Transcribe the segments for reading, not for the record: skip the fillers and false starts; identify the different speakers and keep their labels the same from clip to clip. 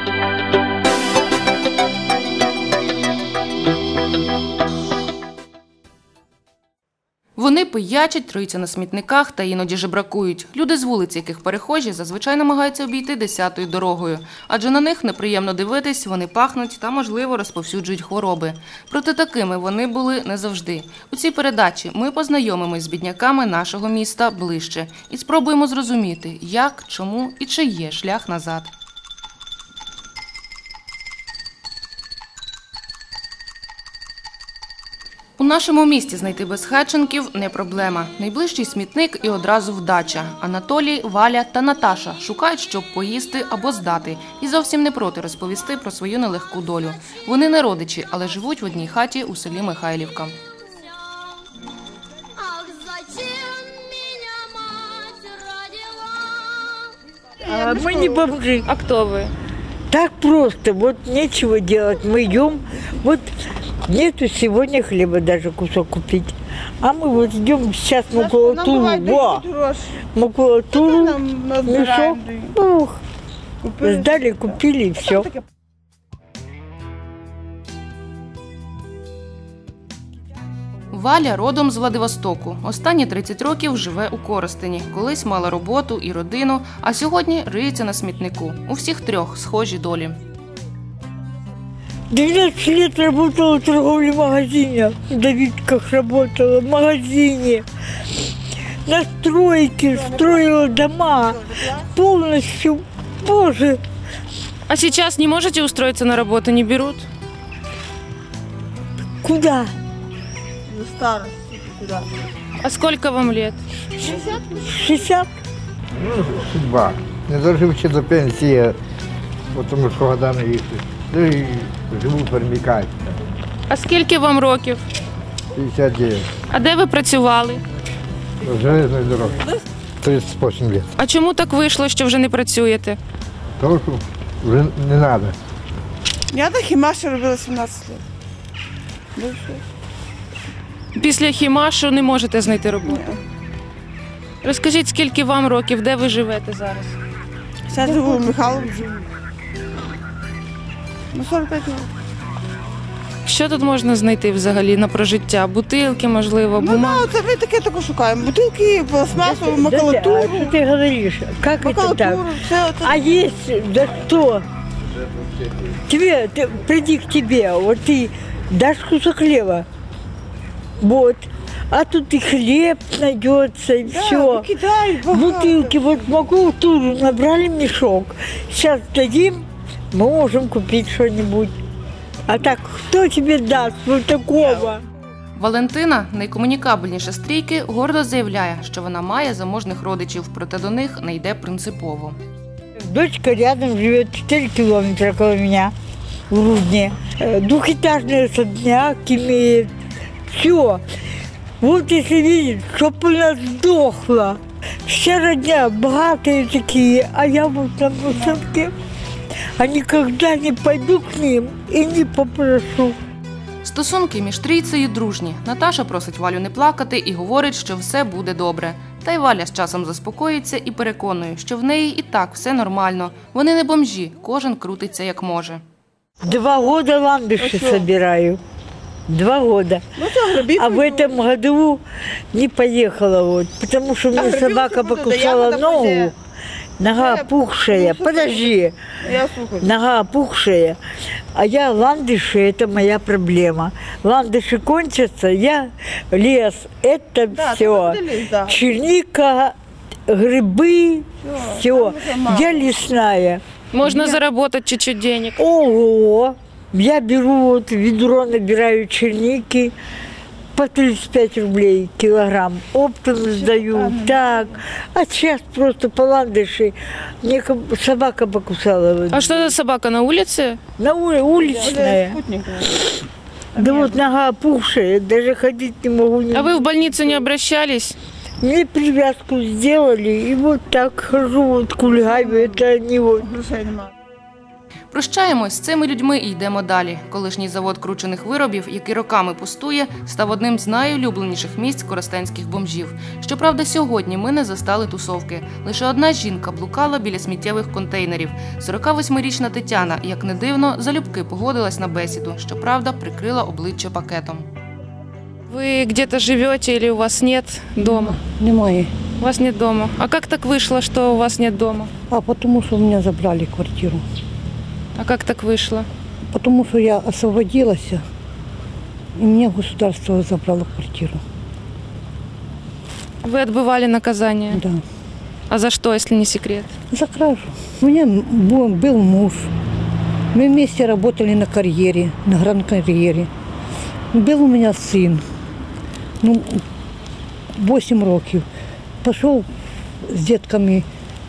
Speaker 1: Вони пиячать, труються на смітниках та іноді жебракують. Люди з вулиць, яких перехожі, зазвичай намагаються обійти 10-ю дорогою. Адже на них неприємно дивитись, вони пахнуть та, можливо, розповсюджують хвороби. Проте такими вони були не завжди. У цій передачі ми познайомимось з бідняками нашого міста ближче і спробуємо зрозуміти, як, чому і чи є шлях назад. У нашому місті знайти безхатченків – не проблема. Найближчий смітник і одразу вдача. Анатолій, Валя та Наташа шукають, щоб поїсти або здати. І зовсім не проти розповісти про свою нелегку долю. Вони не родичі, але живуть в одній хаті у селі Михайлівка.
Speaker 2: Мы не бомжи.
Speaker 3: А кто вы?
Speaker 2: Так просто, вот нечего делать. Мы идем, вот нету сегодня хлеба даже кусок купить. А мы вот идем сейчас макулатуру, макулатуру, мешок, сдали, купили и все.
Speaker 1: Валя родом з Владивостоку. Останні 30 років живе у Коростені. Колись мала роботу і родину, а сьогодні риється на смітнику. У всіх трьох схожі долі.
Speaker 2: 12 лет работала в торговле магазине. В Давидках работала, в магазине. На стройке строила дома. Полностью, боже.
Speaker 3: А сейчас не можете устроиться на работу, не берут?
Speaker 2: Куда?
Speaker 4: Старости куда?
Speaker 3: А сколько вам лет?
Speaker 2: 60.
Speaker 5: Ну, судьба. Не доживши до пенсії, тому що года не їсти. Ну і живу перемікати.
Speaker 3: А скільки вам років?
Speaker 5: 59.
Speaker 3: А де ви працювали?
Speaker 5: Железної дороги. 38 років.
Speaker 3: А чому так вийшло, що вже не працюєте?
Speaker 5: Тому що вже не треба.
Speaker 4: Я на хімаші робила 17 років. Більше.
Speaker 3: Після хімашу не можете знайти роботу? Розкажіть, скільки вам років, де ви живете зараз?
Speaker 4: Зараз живу в Михайловці. Ну, 45 років.
Speaker 3: Що тут можна знайти взагалі на прожиття? Бутилки, можливо, бумаги?
Speaker 4: Ну, це ми таке шукаємо. Бутилки, пластмасову,
Speaker 2: А
Speaker 4: макулатуру.
Speaker 2: что ты говоришь? Как это так?
Speaker 4: Макулатуру, все це.
Speaker 2: А есть, да что? Приди к тебе, вот ты дашь кусок хлеба. Вот. А тут и хлеб найдется, и
Speaker 4: Да,
Speaker 2: все.
Speaker 4: викидають багато.
Speaker 2: Бутылки, вот макулатуру набрали мешок. Сейчас дадим, мы можем купить что-нибудь. А так, кто тебе даст вот такого?
Speaker 1: Валентина, найкомунікабельніша з трійки, гордо заявляє, що вона має заможних родичів, проте до них не йде принципово.
Speaker 2: Дочка рядом живет 4 километра около меня, в Рудне. Двухэтажный особняк имеет. Все. Вот если видеть, чтоб она сдохла. Вся родня богатые такие, а я вот на высотке. А никогда не пойду к ним и не попрошу.
Speaker 1: Стосунки між трійцею дружні. Наташа просить Валю не плакати і говорить, що все буде добре. Та й Валя з часом заспокоїться і переконує, що в неї і так все нормально. Вони не бомжі, кожен крутиться як може.
Speaker 2: 2 года ландыши собираю. 2 года.
Speaker 4: Ну, це грибів.
Speaker 2: А в этом году не поехала, вот, потому что мне собака покусала ногу. Нога опухшая. Подожди.
Speaker 4: Я слухаю.
Speaker 2: Нога опухшая. А я ландыши, это моя проблема. Ландыши кончатся, я лес, это
Speaker 4: Да,
Speaker 2: все.
Speaker 4: ты лес, да.
Speaker 2: Черника, грибы, все. Я лесная.
Speaker 3: Можна заработать чуть-чуть денег.
Speaker 2: Ого! Я беру, вот ведро набираю черники по 35 рублей килограмм. Оптом сдаю. Так. А сейчас просто по ландыши. Мне собака покусала. Вот.
Speaker 3: А что за собака, на улице?
Speaker 2: На уличная. Да вот нога опухшая, даже ходить не могу.
Speaker 3: А вы в больницу не обращались?
Speaker 2: Мне привязку сделали, и вот так хожу, вот кульгаю, это они вот.
Speaker 4: Грошей немає.
Speaker 1: Прощаємось з цими людьми і йдемо далі. Колишній завод кручених виробів, який роками пустує, став одним з найулюбленіших місць коростенських бомжів. Щоправда, сьогодні ми не застали тусовки. Лише одна жінка блукала біля сміттєвих контейнерів. 48-річна Тетяна, як не дивно, залюбки погодилась на бесіду. Щоправда, прикрила обличчя пакетом.
Speaker 3: Вы где-то живете или у вас нет дома?
Speaker 6: Немає.
Speaker 3: У вас нет дома. А как так вышло, что у вас нет дома?
Speaker 6: А потому что у меня забрали квартиру.
Speaker 3: А как так вышло?
Speaker 6: Потому что я освободилась, и мне государство забрало квартиру.
Speaker 3: Вы отбывали наказание?
Speaker 6: Да.
Speaker 3: А за что, если не секрет?
Speaker 6: За кражу. У меня был муж. Мы вместе работали на карьере, на гранд-карьере. Был у меня сын. 8 років. Пошел с детками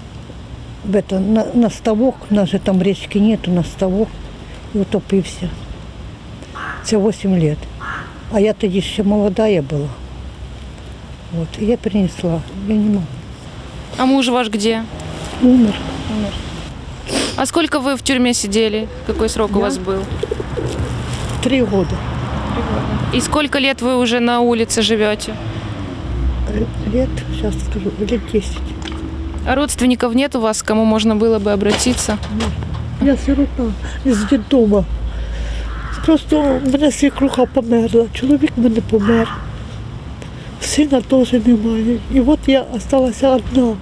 Speaker 6: на ставок, у нас же там речки нету, на ставок, і утопився. Це 8 лет. А я тоді ще молодая була. Вот, и я принесла, я не могу.
Speaker 3: А муж ваш где?
Speaker 6: Умер.
Speaker 3: А сколько вы в тюрьме сидели? Какой срок у вас был?
Speaker 6: 3 года.
Speaker 3: И сколько лет вы уже на улице живете?
Speaker 6: Лет, сейчас скажу, лет 10.
Speaker 3: А родственников нет у вас, к кому можно было бы обратиться?
Speaker 6: Я сирота з дитома. Просто в мене свекруха померла, чоловік в мене помер. Сина теж немає. І от я залишилася одна.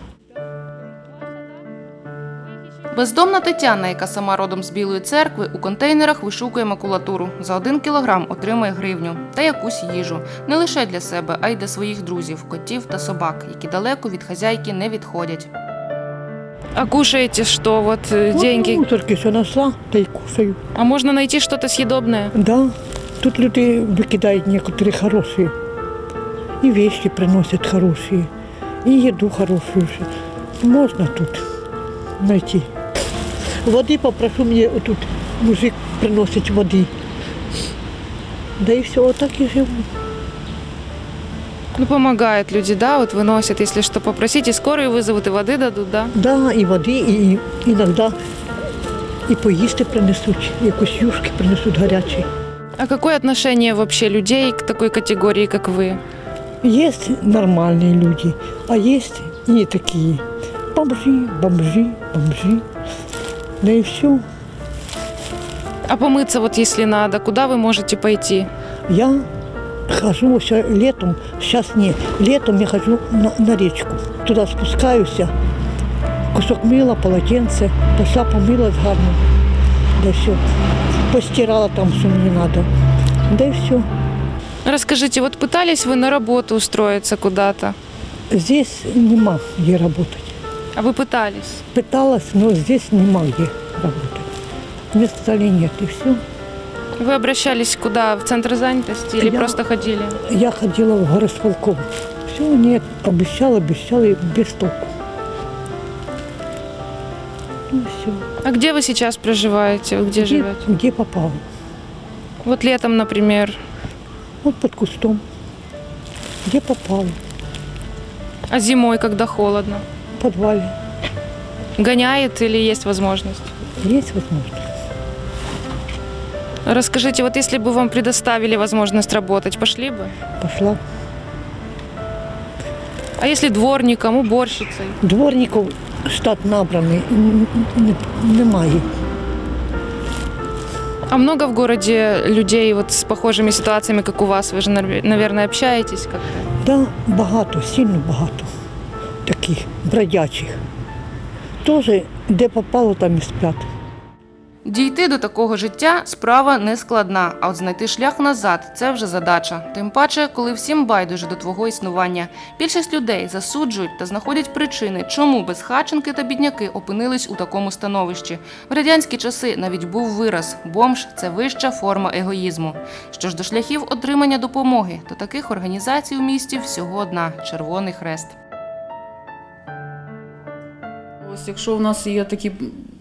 Speaker 1: Бездомна Тетяна, яка сама родом з Білої церкви, у контейнерах вишукує макулатуру. За 1 кілограм отримує гривню та якусь їжу. Не лише для себе, а й для своїх друзів, котів та собак, які далеко від хазяйки не відходять.
Speaker 3: А кушаете что? Вот деньги.
Speaker 6: Мусорки все знайшла, та й кушаю.
Speaker 3: А можно найти что-то съедобное?
Speaker 6: Да, тут люди викидають некоторі хороші. І вещи приносять хороші, і їду хорошу. Можна тут знайти. Води попрошу, мені тут мужик приносить води. Да и все, вот так и живу.
Speaker 3: Ну, помогают люди, да, вот выносят, если что, попросите, скорую вызовут и воды дадут, да?
Speaker 6: Да, і води, і іноді і поїсти принесуть, якусь юшки принесуть гарячі.
Speaker 3: А какое отношение вообще людей к такой категории, как вы?
Speaker 6: Есть нормальные люди, а есть и не такие. Бомжи. Да и все.
Speaker 3: А помыться вот если надо, куда вы можете пойти?
Speaker 6: Я хожу еще летом, сейчас не, летом я хожу на речку. Туда спускаюсь, кусок мыла, полотенце, пошла помылась гарно. Да все. Постирала там, что мне надо. Да и все.
Speaker 3: Расскажите, вот пытались вы на работу устроиться куда-то?
Speaker 6: Здесь нема где работать.
Speaker 3: А вы пытались?
Speaker 6: Пыталась, но здесь нема где работать. Мне сказали нет, и все.
Speaker 3: Вы обращались куда? В центр занятости или
Speaker 6: Я-
Speaker 3: просто ходили?
Speaker 6: Я ходила в горосполком. Все, нет, обещала, и без толку. Ну все.
Speaker 3: А где вы сейчас проживаете? Вы где живете?
Speaker 6: Где попала?
Speaker 3: Вот летом, например.
Speaker 6: Вот под кустом. Где попала?
Speaker 3: А зимой, когда холодно?
Speaker 6: В подвале.
Speaker 3: Гоняет или есть возможность?
Speaker 6: Есть возможность.
Speaker 3: Расскажите, вот если бы вам предоставили возможность работать, пошли бы?
Speaker 6: Пошла.
Speaker 3: А если дворником, уборщицей?
Speaker 6: Дворников штат набраний, немає.
Speaker 3: А много в городе людей вот с похожими ситуациями, как у вас? Вы же, наверное, общаетесь как-то?
Speaker 6: Да, багато, сильно багато таких бродячих. Теж, де попало, там і сплять.
Speaker 1: Дійти до такого життя – справа не складна, а от знайти шлях назад – це вже задача. Тим паче, коли всім байдуже до твого існування. Більшість людей засуджують та знаходять причини, чому безхатченки та бідняки опинились у такому становищі. В радянські часи навіть був вираз – бомж – це вища форма егоїзму. Що ж до шляхів отримання допомоги, то таких організацій у місті всього одна – Червоний Хрест.
Speaker 7: Ось якщо в нас є такі,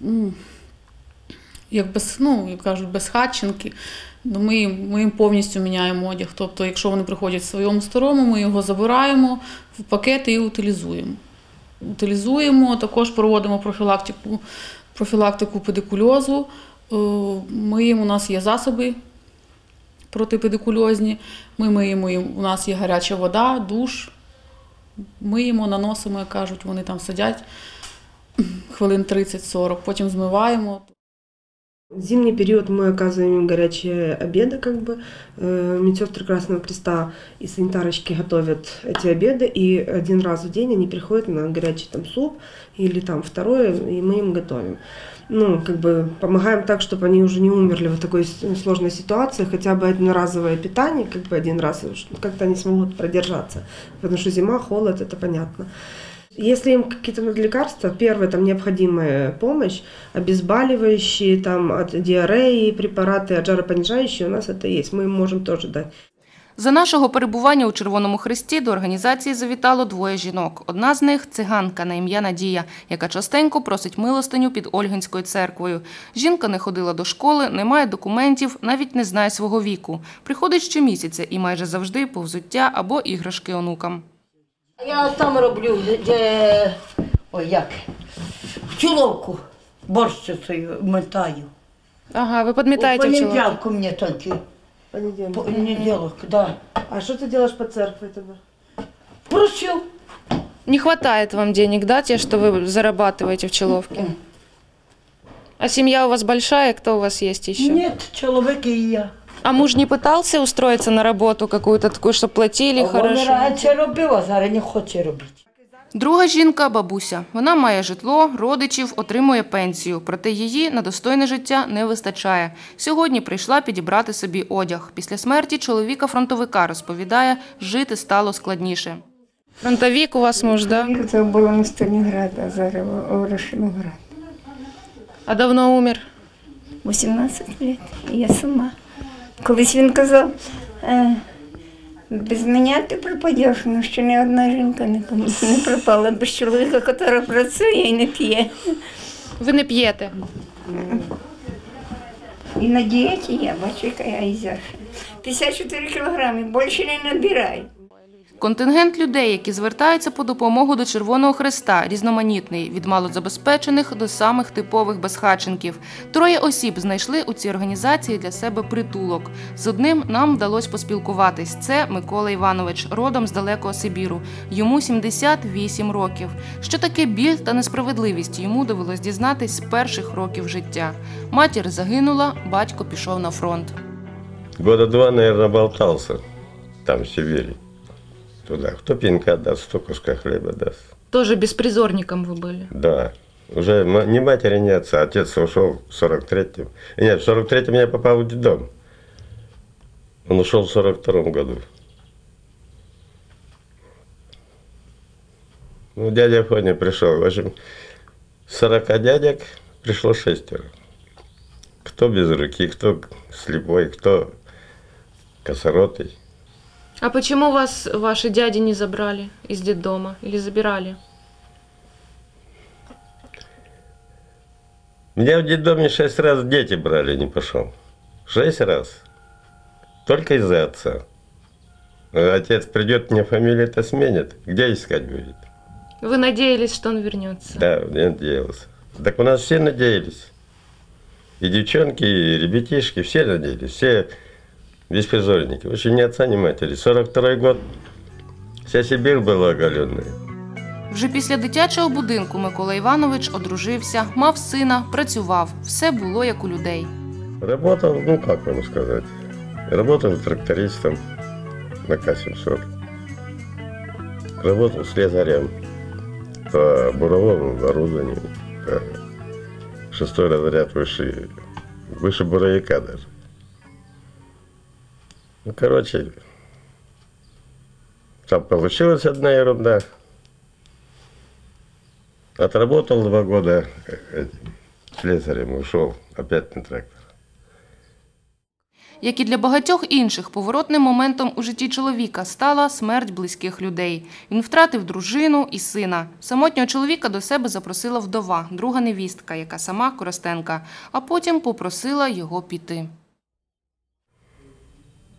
Speaker 7: як кажуть, безхатченки, ми їм повністю міняємо одяг. Тобто, якщо вони приходять в своєму старому, ми його забираємо в пакети і утилізуємо. Також проводимо профілактику профілактику педикульозу. Миємо, у нас є засоби протипедикульозні. Ми миємо, у нас є гаряча вода, душ. Миємо, наносимо, як кажуть, вони там сидять хвилин 30-40, потім змиваємо.
Speaker 8: В зимний период мы оказываем им горячие обеды, медсестры Красного Креста и санитарочки готовят эти обеды, и один раз в день они приходят на горячий суп или второе, и мы им готовим. Помогаем так, чтобы они уже не умерли в такой сложной ситуации, хотя бы одноразовое питание, один раз, как-то они смогут продержаться, потому что зима, холод, это понятно. Если им какие-то лекарства, первое, необходимая помощь, обезболивающие, от диареи, препараты, от жаропонижающие, у нас это есть, мы им можем тоже дать.
Speaker 1: За нашого перебування у Червоному Хресті до організації завітало 2 жінок. Одна з них – циганка на ім'я Надія, яка частенько просить милостиню під Ольгинською церквою. Жінка не ходила до школи, не має документів, навіть не знає свого віку. Приходить щомісяця і майже завжди повзуття або іграшки онукам.
Speaker 9: Я там роблю, в чоловку борщицею метаю.
Speaker 3: Ага, ви підмітаєте в чоловіку?
Speaker 9: Понеділку мені тільки. Понеділок, да.
Speaker 8: А что ты делаешь по церкви тогда?
Speaker 9: Просю.
Speaker 3: Не хватает вам денег, да, те, что вы зарабатываете в Человке? А семья у вас большая? Кто у вас есть еще?
Speaker 9: Нет, чоловік і я.
Speaker 3: А муж не пытался устроиться на работу какую-то такую, чтобы платили хорошо?
Speaker 9: Він раніше робив, а зараз не хоче робити.
Speaker 1: Друга жінка – бабуся. Вона має житло, родичів, отримує пенсію. Проте її на достойне життя не вистачає. Сьогодні прийшла підібрати собі одяг. Після смерті чоловіка-фронтовика, розповідає, жити стало складніше.
Speaker 3: Фронтовик у вас муж, да?
Speaker 10: Це було на Сталінград, а зараз у Рашиноград.
Speaker 3: А давно умер?
Speaker 10: 18 років, і я сама. Колись він казав, без мене ти пропадеш, але ще ні одна жінка не пропала без чоловіка, який працює і не п'є.
Speaker 3: Ви не п'єте?
Speaker 10: І на дієті я, бачу, яка я ізяша. 54 кілограми, більше не набираю.
Speaker 1: Контингент людей, які звертаються по допомогу до Червоного Хреста, різноманітний – від малозабезпечених до самих типових безхатченків. 3 осіб знайшли у цій організації для себе притулок. З одним нам вдалося поспілкуватись. Це Микола Іванович, родом з далекого Сибіру. Йому 78 років. Що таке біль та несправедливість, йому довелось дізнатись з перших років життя. Матір загинула, батько пішов на фронт.
Speaker 11: Года 2, наверное, болтался там, в Сибири. Туда. Кто пенька даст, кто куска хлеба даст.
Speaker 3: Тоже беспризорником вы были?
Speaker 11: Да. Уже ни матери, ни отца. Отец ушел в 43-м. Нет, в 43-м я попал в детдом. Он ушел в 42-м году. Ну, дядя Фоня пришел. В общем, 40 дядек пришло 6. Кто без руки, кто слепой, кто косоротый.
Speaker 3: А почему вас ваши дяди не забрали из детдома или забирали?
Speaker 11: Меня в детдоме 6 раз дети брали, не пошел. 6 раз. Только из-за отца. Отец придет, мне фамилию-то сменит. Где искать будет?
Speaker 3: Вы надеялись, что он вернется?
Speaker 11: Да, я надеялся. Так у нас все надеялись. И девчонки, и ребятишки, все надеялись. Все беспризорники. В общем, ни отца, ни матери. 42-й год. Вся Сибирь була оголена.
Speaker 1: Вже після дитячого будинку Микола Іванович одружився, мав сина, працював. Все було як у людей.
Speaker 11: Работал, ну как вам сказать, работал трактористом на К-700. Работал слесарем по буровому оборудованию. 6-й разряд выше буровика даже. Ну, короче, там получилась одна ерунда. Отработал 2 года слесарем, ушел опять на трактор.
Speaker 1: Як і для багатьох інших, поворотним моментом у житті чоловіка стала смерть близьких людей. Він втратив дружину і сина. Самотнього чоловіка до себе запросила вдова, друга невістка, яка сама коростенка, а потім попросила його піти.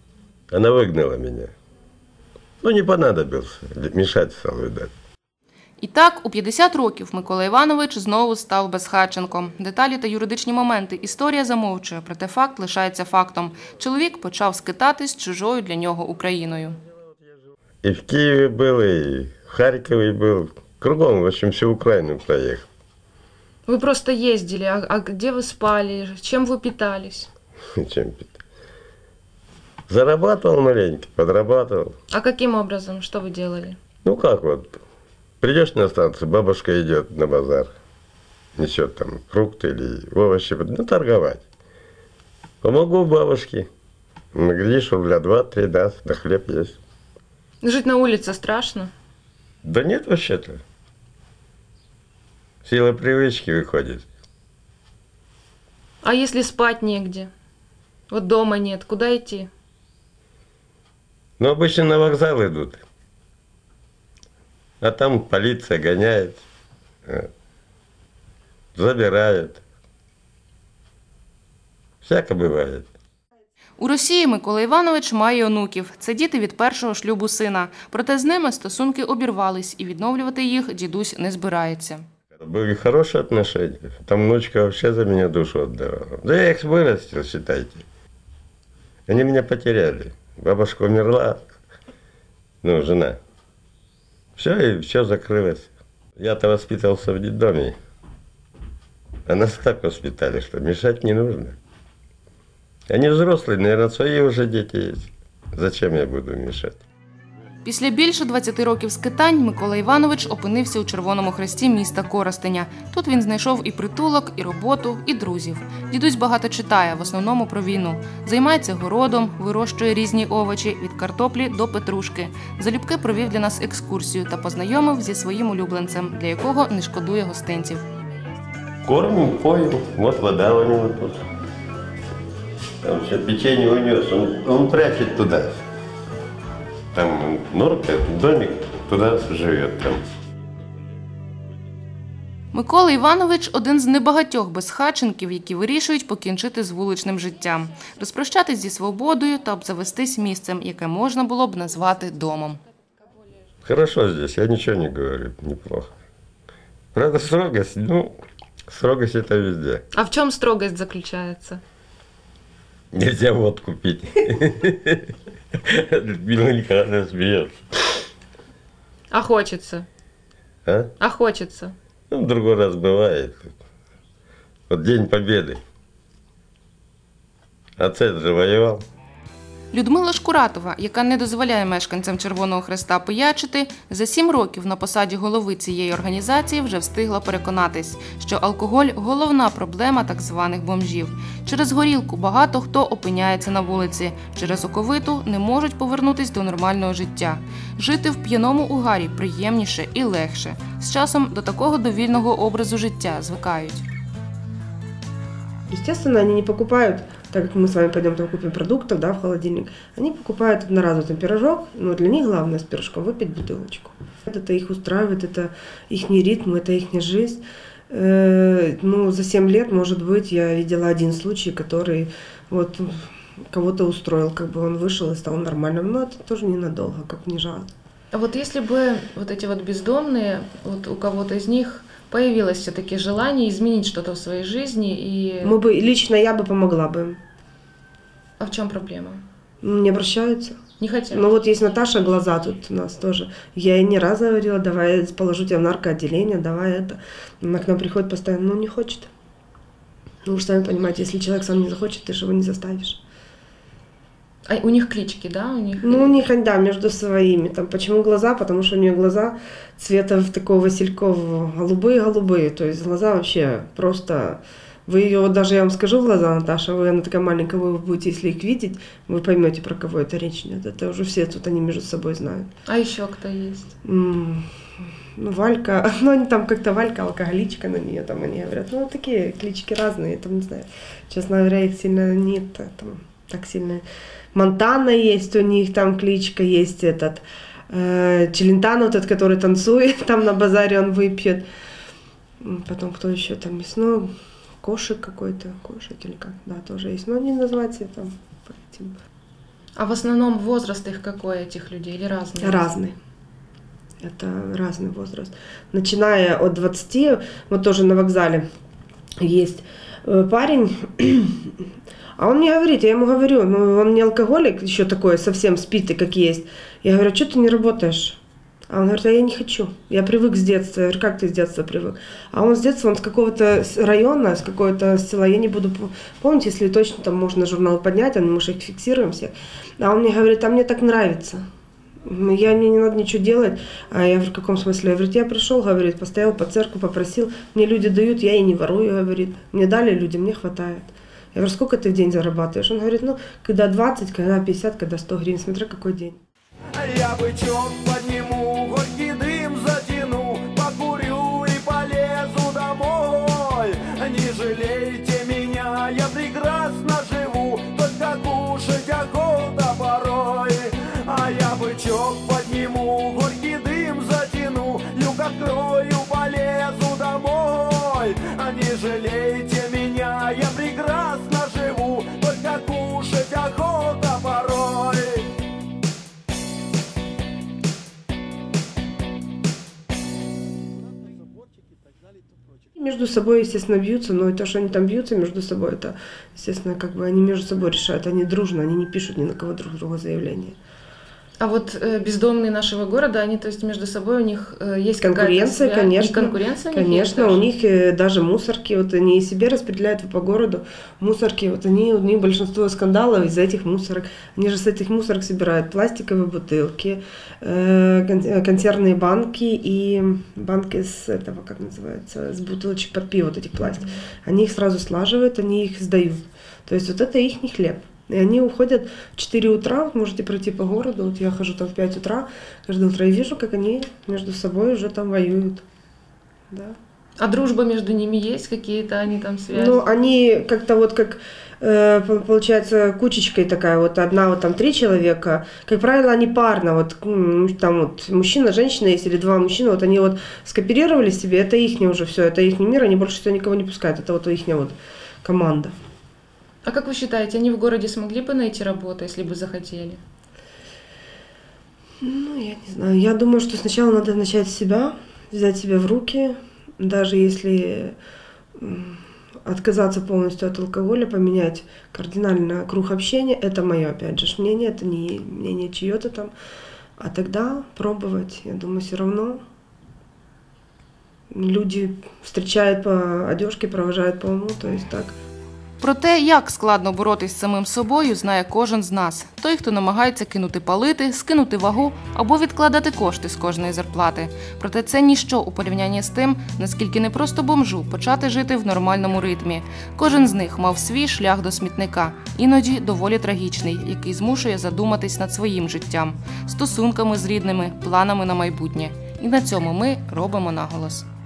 Speaker 11: Она выгнала меня. Ну, не понадобился, мешать стал, видать.
Speaker 1: І так, у 50 років Микола Іванович знову став безхатченком. Деталі та юридичні моменти історія замовчує, проте факт лишається фактом. Чоловік почав скитатись чужою для нього Україною.
Speaker 11: И в Киеве был, и в Харькове был. Кругом, в общем, всю Украину проехал.
Speaker 3: Ви просто їздили, а де ви спали, чим ви питались?
Speaker 11: Чем питать? Зарабатывал маленько, подрабатывал.
Speaker 3: А каким образом, что вы делали?
Speaker 11: Ну как вот, придешь на станцию, бабушка идет на базар, несет там фрукты или овощи, ну торговать. Помогу бабушке, глядишь, рубля 2-3 даст, да хлеб есть.
Speaker 3: Жить на улице страшно?
Speaker 11: Да нет вообще-то. Сила привычки выходит.
Speaker 3: А если спать негде? Вот дома нет, куда идти?
Speaker 11: Но обычно на вокзал идут. А там полиция гоняет, забирает. Всяко бывает.
Speaker 1: У Росії Микола Іванович має онуків. Це діти від першого шлюбу сина. Проте з ними стосунки обірвались, і відновлювати їх дідусь не збирається.
Speaker 11: Были хорошие отношения. Там внучка вообще за меня душу отдавала. Да я их вырастил, считайте. Они меня потеряли. Бабушка умерла, ну, жена. Все, и все закрылось. Я-то воспитывался в детдоме. А нас так воспитали, что мешать не нужно. Они взрослые, наверное, свои уже дети есть. Зачем я буду мешать?
Speaker 1: Після більше 20 років скитань Микола Іванович опинився у Червоному Хресті міста Коростеня. Тут він знайшов і притулок, і роботу, і друзів. Дідусь багато читає, в основному про війну. Займається городом, вирощує різні овочі, від картоплі до петрушки. Залюбки провів для нас екскурсію та познайомив зі своїм улюбленцем, для якого не шкодує гостинців.
Speaker 11: Кормим, поем, вот вода у него тут. Там все печенье унес, он прячет туда. Там норка, домик, туда живет там.
Speaker 1: Микола Іванович – один з небагатьох безхатченків, які вирішують покінчити з вуличним життям, розпрощатись зі свободою та обзавестись місцем, яке можна було б назвати домом.
Speaker 11: Хорошо здесь, я ничего не говорю, неплохо. Правда, строгость, ну, строгость это везде.
Speaker 3: А в чем строгость заключается?
Speaker 11: Нельзя водку пить. Людмила Николаевна смеется.
Speaker 3: А хочется?
Speaker 11: А?
Speaker 3: А хочется?
Speaker 11: Ну, в другой раз бывает. Вот День Победы. Отец же воевал.
Speaker 1: Людмила Шкуратова, яка не дозволяє мешканцям Червоного Хреста пиячити, за 7 років на посаді голови цієї організації вже встигла переконатись, що алкоголь – головна проблема так званих бомжів. Через горілку багато хто опиняється на вулиці, через оковиту не можуть повернутись до нормального життя. Жити в п'яному угарі приємніше і легше. З часом до такого довільного образу життя звикають.
Speaker 8: Естественно, они не покупают, так как мы с вами пойдем там купим продуктов, да, в холодильник, они покупают одноразовый там пирожок, но для них главное с пирожком выпить бутылочку. Это их устраивает, это их ритм, это их жизнь. Ну, за 7 лет, может быть, я видела один случай, который вот кого-то устроил, как бы он вышел и стал нормальным, но это тоже ненадолго, как не жалко.
Speaker 3: А вот если бы вот эти вот бездомные, вот у кого-то из них появилось все-таки желание изменить что-то в своей жизни и...
Speaker 8: Лично я бы помогла бы им.
Speaker 3: А в чем проблема?
Speaker 8: Не обращаются.
Speaker 3: Не хотят?
Speaker 8: Ну вот есть Наташа Глаза тут у нас тоже. Я ей не раз говорила, давай положу тебя в наркоотделение, давай это. Она к нам приходит постоянно, но не хочет. Ну вы же сами понимаете, если человек сам не захочет, ты же его не заставишь.
Speaker 3: А у них клички, да?
Speaker 8: Ну, у них, да, между своими. Там, почему глаза? Потому что у нее глаза цвета такого василькового, голубые-голубые. То есть глаза вообще просто... Вы ее, вот даже я вам скажу глаза, Наташа, она такая маленькая, вы будете, если их видеть, вы поймете, про кого это речь идет. Это уже все тут, они между собой знают.
Speaker 3: А еще кто есть?
Speaker 8: Ну, Валька, ну, они там как-то Валька, алкоголичка на нее, там они говорят. Ну, такие клички разные, там, не знаю. Честно говоря, их сильно нет, там, так сильно... Монтана есть у них, там кличка есть этот, Челентано, вот этот, который танцует, там на базаре он выпьет. Потом кто еще там есть, ну, Кошек какой-то, Кошек или как, да, тоже есть. Но они называются там по этим.
Speaker 3: А в основном возраст их какой, этих людей, или разный?
Speaker 8: Разный. Это разный возраст. Начиная от 20, вот тоже на вокзале есть парень, а он мне говорит, я ему говорю, ну он не алкоголик, еще такой совсем спитый, как есть. Я говорю, что ты не работаешь? А он говорит, а я не хочу, я привык с детства. Я говорю, как ты с детства привык? А он с детства, он с какого-то района, с какого-то села, я не буду помнить, если точно там можно журнал поднять, мы их фиксируем все. А он мне говорит, а мне так нравится. Мне не надо ничего делать. А я говорю, в каком смысле? Я говорю, я пришел, говорит, постоял по церкви, попросил, мне люди дают, я и не ворую, говорит. Мне дали люди, мне хватает. Я говорю, сколько ты в день зарабатываешь? Он говорит, ну, когда 20, когда 50, когда 100 гривен, смотря какой день.
Speaker 12: Я бычок подниму, горький дым затяну, покурю и полезу домой. Не жалейте меня, я прекрасно живу, только кушать охота порой. А я бычок подниму, горький дым затяну, люк открою, полезу домой. Не жалейте меня, я прекрасно живу, только кушать охота порой.
Speaker 8: Между собой, естественно, бьются, но то, что они там бьются между собой, это, естественно, как бы они между собой решают, они дружно, они не пишут ни на кого друг друга заявления.
Speaker 1: А вот бездомные нашего города, они, то есть, между собой у них есть
Speaker 8: конкуренция, конечно.
Speaker 1: И конкуренция
Speaker 8: конечно, у них даже мусорки, вот они себе распределяют по городу мусорки, вот у них большинство скандалов из-за этих мусорок. Они же с этих мусорок собирают пластиковые бутылки, консервные банки и банки с этого, как называется, с бутылочек под пиво, вот этих пластик. Они их сразу слаживают, они их сдают. То есть вот это их хлеб. И они уходят в 4 утра, можете пройти по городу, вот я хожу там в 5 утра, каждое утро и вижу, как они между собой уже там воюют. Да.
Speaker 1: А дружба между ними есть какие-то, они там связи?
Speaker 8: Ну, они как-то вот как, получается, кучечкой такая, вот одна, вот там 3 человека, как правило, они парно, вот там вот мужчина, женщина есть, или 2 мужчины, вот они вот скооперировали себе, это их уже все, это их мир, они больше всего никого не пускают, это вот их вот команда.
Speaker 1: А как вы считаете, они в городе смогли бы найти работу, если бы захотели?
Speaker 8: Ну, я не знаю. Я думаю, что сначала надо начать с себя, взять себя в руки, даже если отказаться полностью от алкоголя, поменять кардинально круг общения. Это мое, опять же, мнение, это не мнение чье-то там. А тогда пробовать. Я думаю, все равно люди встречают по одежке, провожают по уму, то есть так.
Speaker 1: Про те, як складно боротись з самим собою, знає кожен з нас. Той, хто намагається кинути палити, скинути вагу або відкладати кошти з кожної зарплати. Проте це ніщо у порівнянні з тим, наскільки не просто бомжу почати жити в нормальному ритмі. Кожен з них мав свій шлях до смітника, іноді доволі трагічний, який змушує задуматись над своїм життям, стосунками з рідними, планами на майбутнє. І на цьому ми робимо наголос.